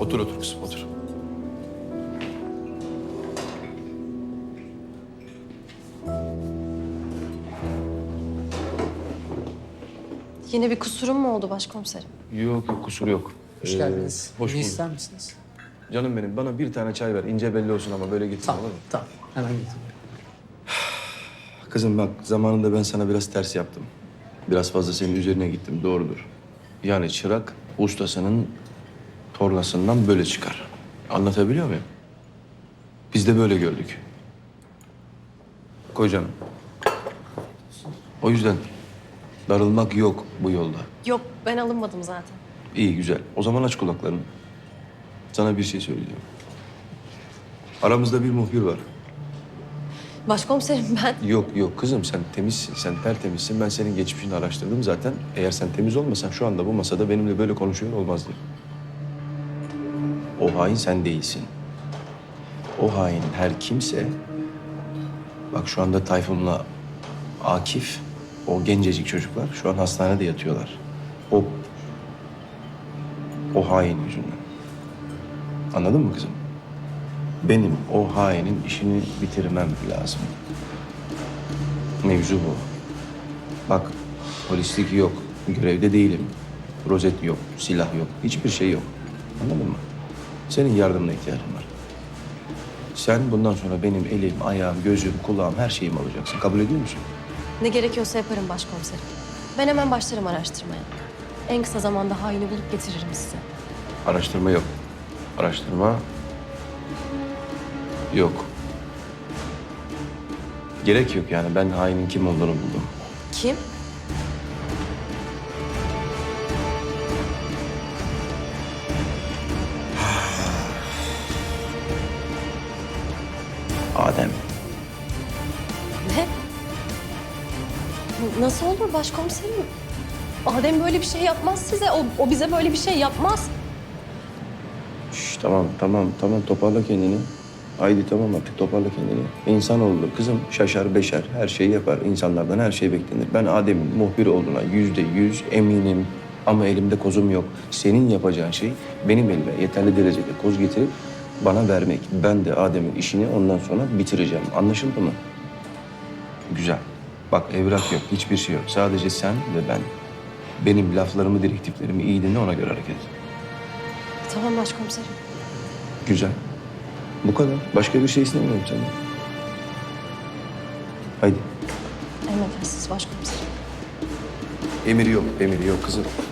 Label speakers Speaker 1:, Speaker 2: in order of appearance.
Speaker 1: Otur otur kızım otur.
Speaker 2: Yine bir kusurum mu oldu başkomiserim?
Speaker 1: Yok yok kusur yok.
Speaker 3: Hoş geldiniz.
Speaker 1: Hoş
Speaker 3: Ne
Speaker 1: bulduk.
Speaker 3: ister misiniz?
Speaker 1: Canım benim bana bir tane çay ver. İnce belli olsun ama böyle getir
Speaker 3: Tamam,
Speaker 1: olur mu?
Speaker 3: tamam. Hemen getiriyorum.
Speaker 1: Kızım bak zamanında ben sana biraz ters yaptım. Biraz fazla senin üzerine gittim doğrudur. Yani çırak ustasının tornasından böyle çıkar. Anlatabiliyor muyum? Biz de böyle gördük. Koy canım. O yüzden darılmak yok bu yolda.
Speaker 2: Yok, ben alınmadım zaten.
Speaker 1: İyi güzel. O zaman aç kulaklarını. Sana bir şey söyleyeceğim. Aramızda bir muhbir var.
Speaker 2: Başkomiserim ben...
Speaker 1: Yok yok kızım sen temizsin, sen tertemizsin. Ben senin geçmişini araştırdım zaten. Eğer sen temiz olmasan şu anda bu masada benimle böyle konuşuyor olmazdın. O hain sen değilsin. O hain her kimse... Bak şu anda Tayfun'la Akif, o gencecik çocuklar şu an hastanede yatıyorlar. O hain yüzünden. Anladın mı kızım? Benim o hainin işini bitirmem lazım. Mevzu bu. Bak polislik yok, görevde değilim. Rozet yok, silah yok, hiçbir şey yok. Anladın mı? Senin yardımına ihtiyacım var. Sen bundan sonra benim elim, ayağım, gözüm, kulağım her şeyim olacaksın. Kabul ediyor musun?
Speaker 2: Ne gerekiyorsa yaparım başkomiserim. Ben hemen başlarım araştırmaya. En kısa zamanda haini bulup getiririm size.
Speaker 1: Araştırma yok. Araştırma yok. Gerek yok yani. Ben hainin kim olduğunu buldum.
Speaker 2: Kim?
Speaker 1: Adem.
Speaker 2: Ne? Nasıl olur başkomiserim? Adem böyle bir şey yapmaz size. O bize böyle bir şey yapmaz.
Speaker 1: Şş, tamam toparla kendini. Haydi tamam artık toparla kendini. İnsanoğlu kızım şaşar beşer her şeyi yapar. İnsanlardan her şey beklenir. Ben Adem'in muhbir olduğuna %100 eminim. Ama elimde kozum yok. Senin yapacağın şey benim elime yeterli derecede koz getirip bana vermek. Ben de Adem'in işini ondan sonra bitireceğim. Anlaşıldı mı? Güzel. Bak evrak yok, hiçbir şey yok. Sadece sen ve ben. Benim laflarımı, direktiflerimi iyi dinle ona göre hareket et.
Speaker 2: Tamam başkomiserim.
Speaker 1: Güzel. Bu kadar. Başka bir şey istemiyorum senden. Haydi.
Speaker 2: Emredersiniz başkomiserim.
Speaker 1: Emir yok kızım.